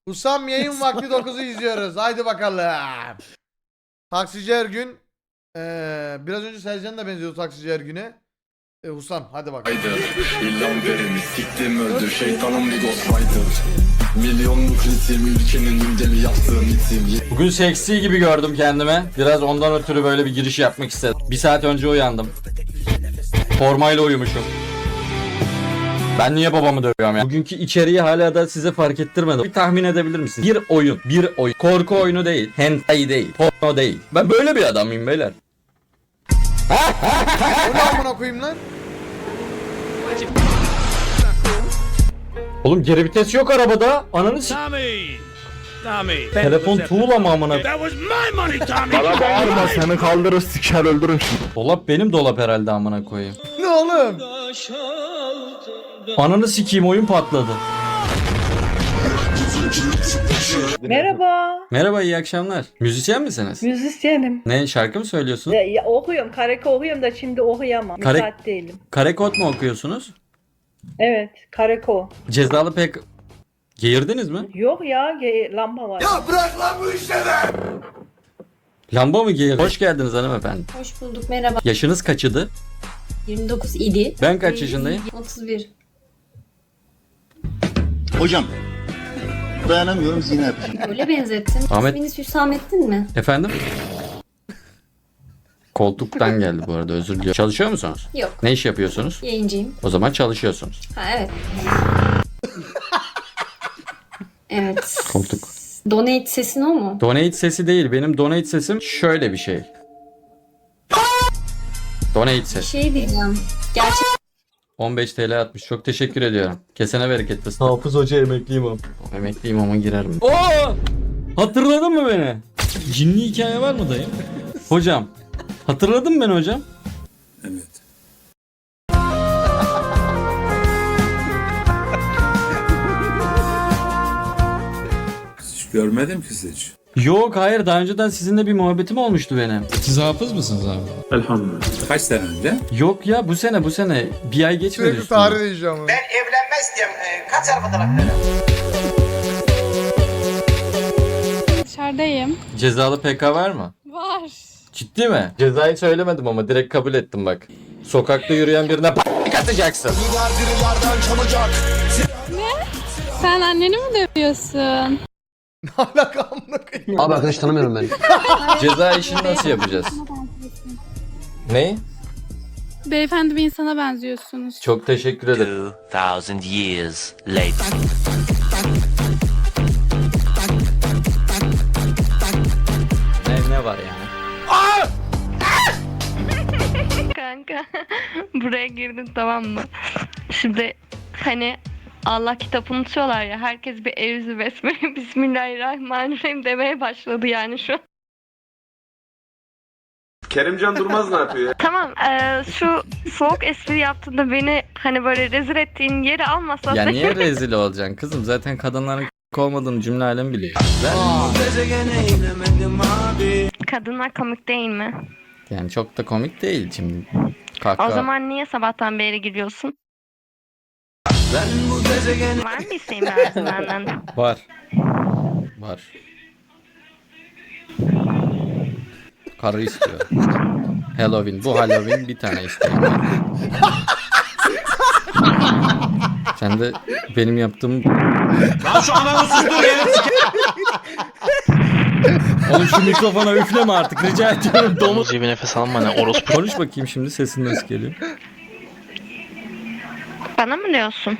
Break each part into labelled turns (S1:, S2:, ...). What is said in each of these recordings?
S1: Husam yayın vakti 9'u izliyoruz. Haydi bakalım. Taksici Ergün. Biraz önce Sercan da benziyordu Taksici Ergün'e. Husam hadi bakalım.
S2: İllam verimi siktim öldü şeytanım bir ghostwriter. Milyonluk ritim ülkenin gündemi yaptığım itim.
S3: Bugün seksi gibi gördüm kendime. Biraz ondan ötürü böyle bir giriş yapmak istedim. Bir saat önce uyandım. Formayla uyumuşum. Ben niye babamı dövüyorum ya? Bugünkü içeriği hala da size fark ettirmedim. Bir tahmin edebilir misiniz? Bir oyun. Korku oyunu değil. Hentai değil. Porno değil. Ben böyle bir adamım beyler.
S1: O ne amına koyayım lan?
S3: Oğlum geri vites yok arabada. Ananı s***. Telefon tuğla mı amına?
S4: Bana bağırma seni kaldırır siker öldürürüm şimdi.
S3: Dolap benim dolap herhalde amına koyayım.
S1: Ne oğlum?
S3: Ananı sikeyim oyun patladı.
S5: Merhaba.
S3: Merhaba iyi akşamlar. Müzisyen misiniz?
S5: Müzisyenim.
S3: Ne şarkı mı söylüyorsun?
S5: Okuyorum. Kareke okuyorum da şimdi okuyamam. Müsait değilim.
S3: Karekod mu okuyorsunuz?
S5: Evet. Kareko.
S3: Cezalı pek geğirdiniz mi?
S5: Yok ya. Lamba var.
S3: Lamba mı geğirdi? Hoş geldiniz hanımefendi.
S6: Hoş bulduk, merhaba.
S3: Yaşınız kaçıdı?
S6: 29 idi.
S3: Ben kaç yaşındayım?
S6: 31.
S7: Hocam dayanamıyorum zina yapacağım.
S6: Öyle benzettin.
S3: Ahmet-
S6: İsminiz Hüsamettin mi?
S3: Efendim? Koltuktan geldi bu arada özür diliyorum. Çalışıyor musunuz?
S6: Yok.
S3: Ne iş yapıyorsunuz?
S6: Yayıncıyım.
S3: O zaman çalışıyorsunuz.
S6: Ha evet. Evet.
S3: Koltuk.
S6: Donate sesin o mu?
S3: Donate sesi değil. Benim donate sesim şöyle bir şey. Donate ses.
S6: Şey diyeceğim. Gerçek
S3: 15 TL atmış. Çok teşekkür ediyorum. Kesene bereket fıstık. Hafız Hoca emekliyim ama. Emekliyim ama girerim. Oo! Hatırladın mı beni? Cinli hikaye var mı dayı? Hocam. Hatırladın mı beni hocam?
S2: Evet. Hiç görmedim ki hiç.
S3: Yok hayır daha önceden sizinle bir muhabbetim olmuştu benim.
S8: Siz hafız mısınız abi?
S2: Elhamdülillah. Kaç sene önce?
S3: Yok ya bu sene bir ay geçmedi
S1: Sürekli
S3: üstünden.
S1: tarih değişiyor ama.
S9: Evlenmez diye kaç araba tarafları?
S10: Dışarıdayım.
S3: Cezalı PK var mı?
S10: Var.
S3: Ciddi mi? Cezayı söylemedim ama direkt kabul ettim bak. Sokakta yürüyen birine p***lik atacaksın.
S10: Sen anneni mi dövüyorsun?
S1: Ne alaka amına koyayım?
S7: Abi arkadaş tanımıyorum ben.
S3: Ceza işini nasıl yapacağız? Ne?
S10: Beyefendi bir insana benziyorsunuz.
S3: Çok teşekkür ederim.
S9: 2000 years later.
S3: Ne var yani?
S10: Kanka buraya girdin tamam mı? Şimdi hani Allah kitabını unutuyorlar ya herkes bir evzi besmele Bismillahirrahmanirrahim demeye başladı yani şu an.
S4: Kerimcan Durmaz ne yapıyor?
S10: Tamam şu soğuk espri yaptığında beni hani böyle rezil ettiğin yeri almasan
S3: Ya niye rezil olacaksın kızım? Zaten kadınların olmadığını cümle alem biliyor.
S10: kadınlar komik değil mi?
S3: Yani çok da komik değil şimdi.
S10: O
S3: Kahkaha.
S10: zaman niye sabahtan beri gülüyorsun? Var mı isteğin benden?
S3: Var. Var. Karı istiyor. Halloween. Bu Halloween bir tane isteğim var. Sen de benim yaptığım...
S8: Lan şu ananı sustur
S3: Oğlum şu mikrofona üfleme artık rica ediyorum. Domuz
S9: Bir nefes alma ne orospu.
S3: Konuş bakayım şimdi sesin nasıl geliyor?
S10: Bana mı diyorsun?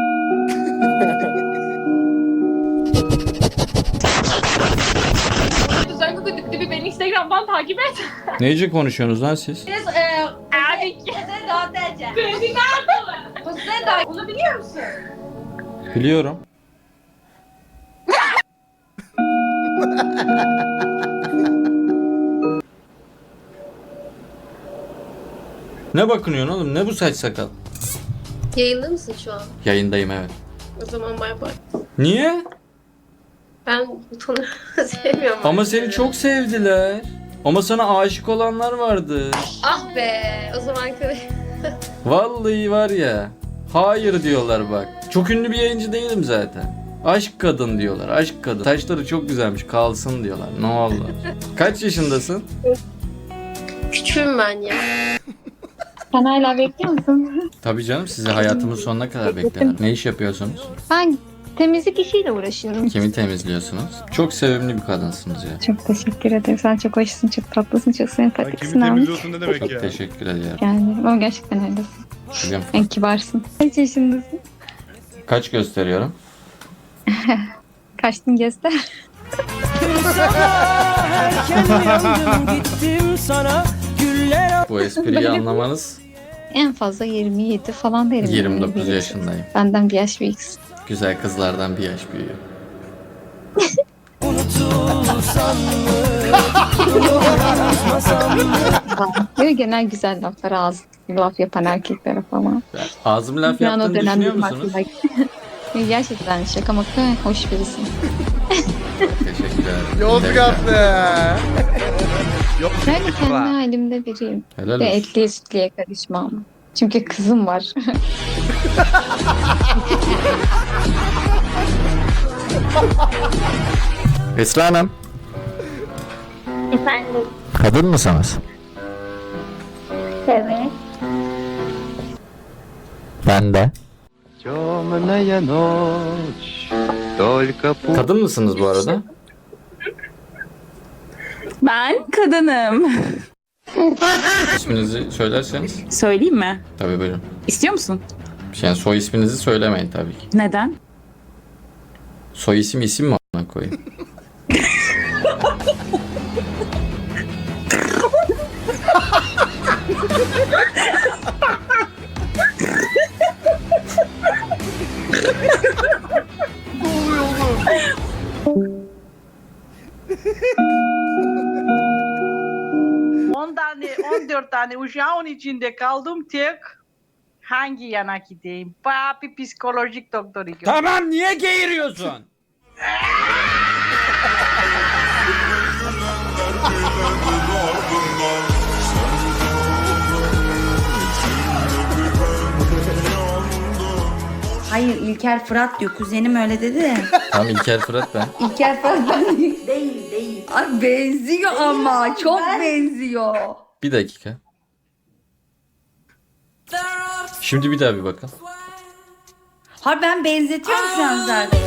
S6: Özellikle bir beni Instagram'dan takip et.
S3: Neyce konuşuyorsunuz lan siz?
S6: Abi Kredi nerede? Onu biliyor musun?
S3: Biliyorum. Ne bakınıyorsun oğlum? Ne bu saç sakal?
S6: Yayında mısın şu an?
S3: Yayındayım evet.
S6: O zaman bay bay.
S3: Niye?
S6: Ben butonu sevmiyorum.
S3: Ama seni çok sevdiler. Ama sana aşık olanlar vardı.
S6: Ah be. O zaman
S3: Vallahi var ya. Hayır diyorlar bak. Çok ünlü bir yayıncı değilim zaten. Aşk kadın diyorlar. Aşk kadın. Saçları çok güzelmiş. Kalsın diyorlar. Ne oldu? Kaç yaşındasın?
S6: Küçüğüm ben ya.
S10: Sen hala bekliyor musun?
S3: Tabii canım, sizi hayatımın sonuna kadar beklerim. Ne iş yapıyorsunuz?
S10: Ben temizlik işiyle uğraşıyorum.
S3: Kimi temizliyorsunuz? Çok sevimli bir kadınsınız ya.
S10: Çok teşekkür ederim. Sen çok hoşsun, çok tatlısın, çok sempatiksin abi.
S4: ne demek
S3: Çok teşekkür ediyorum.
S10: Yani ama gerçekten öylesin.
S3: Biliyorum.
S10: En kibarsın. Kaç yaşındasın?
S3: Kaç gösteriyorum?
S10: Kaçtın göster.
S3: Bu espriyi anlamanız
S10: En fazla 27 falan derim.
S3: 29 yaşındayım.
S10: Benden bir yaş büyüksün.
S3: Güzel kızlardan bir yaş büyüğüm.
S10: Böyle genel güzel laflar ağzı laf yapan erkeklere falan.
S3: Ağzım laf
S10: Yani o
S3: yaptığını
S10: dönem
S3: düşünüyor
S10: benim
S3: musunuz?
S10: aklıma- Gerçekten şaka maka hoş birisin.
S3: Teşekkür ederim.
S1: Yozgatlı.
S10: Ben kendi halimde biriyim.
S3: Helal
S10: Ve
S3: olsun.
S10: etliye sütlüye karışmam. Çünkü kızım var.
S3: Esra Hanım.
S10: Efendim?
S3: Kadın mısınız?
S10: Evet.
S3: Ben de. Kadın mısınız bu arada?
S5: Ben kadınım.
S3: İsminizi söylerseniz.
S5: Söyleyeyim mi?
S3: Tabii buyurun.
S5: İstiyor musun?
S3: Yani soy isminizi söylemeyin tabii ki.
S5: Neden?
S3: Soy isim mi ona koyayım?
S5: Tane, 14 tane uşağın içinde kaldım tek. Hangi yana gideyim? Bayağı bir psikolojik doktoru gördüm.
S8: Tamam, niye geğiriyorsun?
S11: Hayır, İlker Fırat diyor. Kuzenim öyle dedi de.
S3: Tamam, İlker Fırat ben.
S11: İlker Fırat ben değil. Ay benziyor ama. Çok benziyor.
S3: Bir dakika. Şimdi bir daha bir bakın.
S11: Har ben benzetiyorum şu an zaten.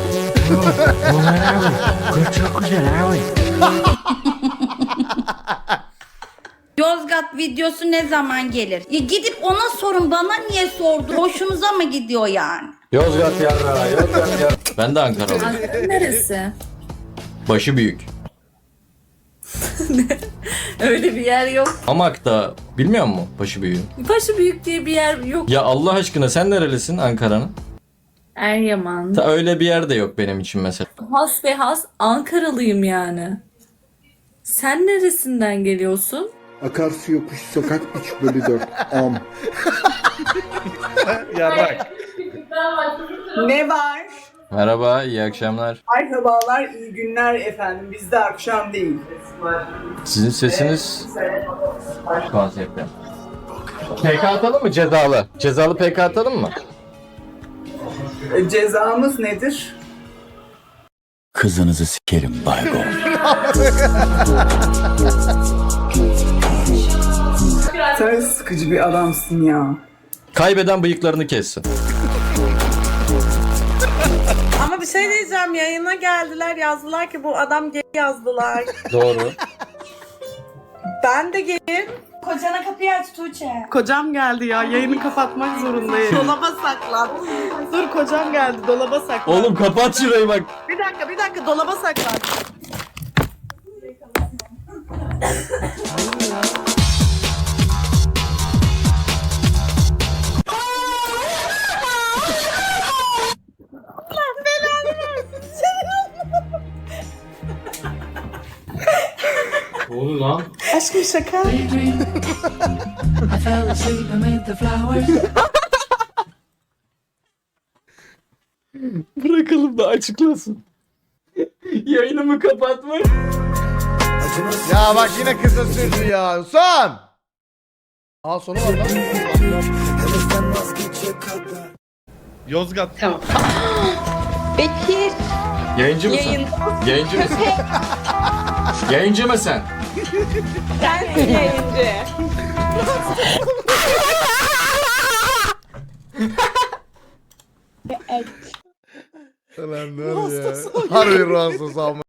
S4: Çok güzel abi.
S11: Yozgat videosu ne zaman gelir? Ya gidip ona sorun, bana niye sordu? Hoşunuza mı gidiyor yani?
S3: Yozgat yarra, Yozgat yarra. Ben de Ankaralıyım.
S11: Neresi?
S3: Başı büyük.
S11: Öyle bir yer yok.
S3: Hamak'ta bilmiyor musun başı büyüğü?
S11: Başı büyük diye bir yer yok.
S3: Ya Allah aşkına sen nerelisin Ankara'nın?
S11: Eryaman.
S3: Ta öyle bir yer de yok benim için mesela.
S11: Has ve has Ankaralıyım yani. Sen neresinden geliyorsun?
S7: Akarsu yokuş sokak 3/4 am.
S4: Yarrak.
S5: Ne var?
S3: Merhaba, iyi akşamlar.
S5: Merhabalar, iyi günler efendim. Bizde akşam değil.
S3: Sizin sesiniz konsepte. PK atalım mı cezalı? Cezalı PK atalım mı?
S5: Cezamız nedir?
S7: Kızınızı sikerim baygo.
S5: Sen sıkıcı bir adamsın ya.
S3: Kaybeden bıyıklarını kessin.
S5: Ama bir şey diyeceğim, yayına geldiler, yazdılar ki bu adam gay yazdılar.
S3: Doğru.
S5: Ben de gayim.
S11: Kocana kapıyı aç Tuğçe.
S5: Kocam geldi ya, yayını kapatmak zorundayım. Dolaba saklan. Dur, kocam geldi, dolaba saklan.
S3: Oğlum kapat şurayı bak.
S5: Bir dakika, dolaba saklan.
S3: Ne oldu lan?
S5: Aşkım şaka.
S3: Bırakalım da açıklasın. Yayınımı kapatma.
S1: Ya bak yine kısa sürdü ya. Son. Aa sonu var lan.
S4: Yozgat.
S5: Bekir.
S3: Yayıncı mısın? Yayıncı mısın? Yayıncı mısın?
S6: Sensin yayıncı.
S1: Ulan ne oluyor ya? Harbi rahatsız ama.